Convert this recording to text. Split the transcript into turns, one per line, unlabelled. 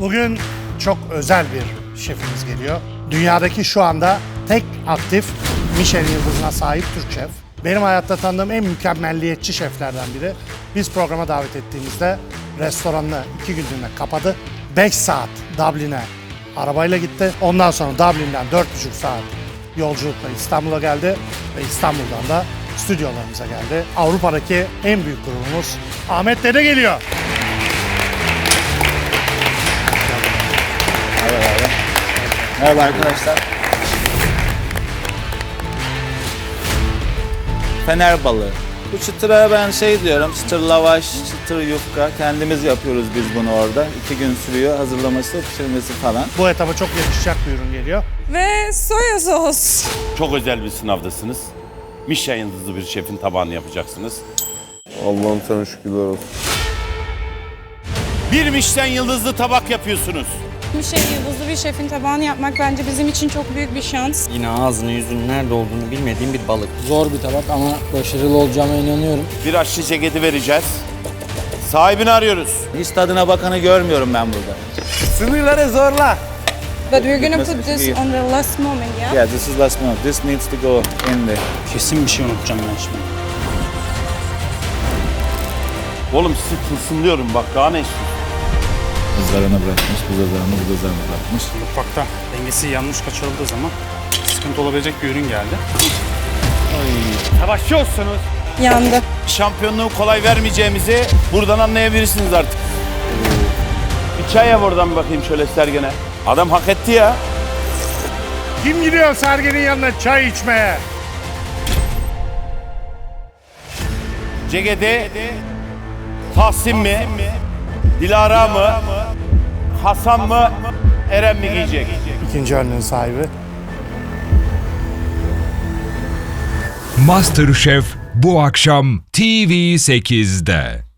Bugün çok özel bir şefimiz geliyor. Dünyadaki şu anda tek aktif Michelin yıldızına sahip Türk şef. Benim hayatta tanıdığım en mükemmelliyetçi şeflerden biri. Biz programa davet ettiğimizde restoranını 2 günlüğüne kapadı. 5 saat Dublin'e arabayla gitti. Ondan sonra Dublin'den 4,5 saat yolculukla İstanbul'a geldi. Ve İstanbul'dan da stüdyolarımıza geldi. Avrupa'daki en büyük grubumuz Ahmet Dede geliyor.
Merhaba arkadaşlar. Fener balığı. Bu çıtıra ben şey diyorum, çıtır lavaş, çıtır yufka. Kendimiz yapıyoruz biz bunu orada. 2 gün sürüyor hazırlaması, pişirmesi falan.
Bu etaba çok yakışacak bir ürün geliyor.
Ve soya sos.
Çok özel bir sınavdasınız. Michelin yıldızlı bir şefin tabağını yapacaksınız.
Allah'ım sana şükürler olsun.
Bir Michelin yıldızlı tabak yapıyorsunuz.
Michelin yıldızlı bir şefin tabağını yapmak bence bizim için çok büyük bir şans.
Yine ağzının yüzünün nerede olduğunu bilmediğim bir balık.
Zor bir tabak ama başarılı olacağıma inanıyorum.
Bir aşçı ceketi vereceğiz. Sahibini arıyoruz.
Hiç tadına bakanı görmüyorum ben burada.
Sınırları zorla.
But we're gonna
Bitmesi
put this
iyi.
on the last moment, yeah?
Yeah, this is last month. This needs to go in there.
Kesin bir şey unutacağım ben şimdi.
Oğlum sizi tılsımlıyorum bak daha ne istiyorsun?
Izgarana bırakmış, bu ızgarana bırakmış.
Mutfakta dengesi yanlış kaçırıldığı zaman sıkıntı olabilecek bir ürün geldi.
Savaşçı olsanız
Yandı.
şampiyonluğu kolay vermeyeceğimizi buradan anlayabilirsiniz artık. Bir çay yap oradan bakayım şöyle Sergen'e. Adam hak etti ya.
Kim gidiyor Sergen'in yanına çay içmeye?
Ceketi Tahsin mi? Dilara mı? Hasan mı? Eren mi giyecek?
İkinci önlüğün sahibi.
MasterChef bu akşam TV8'de.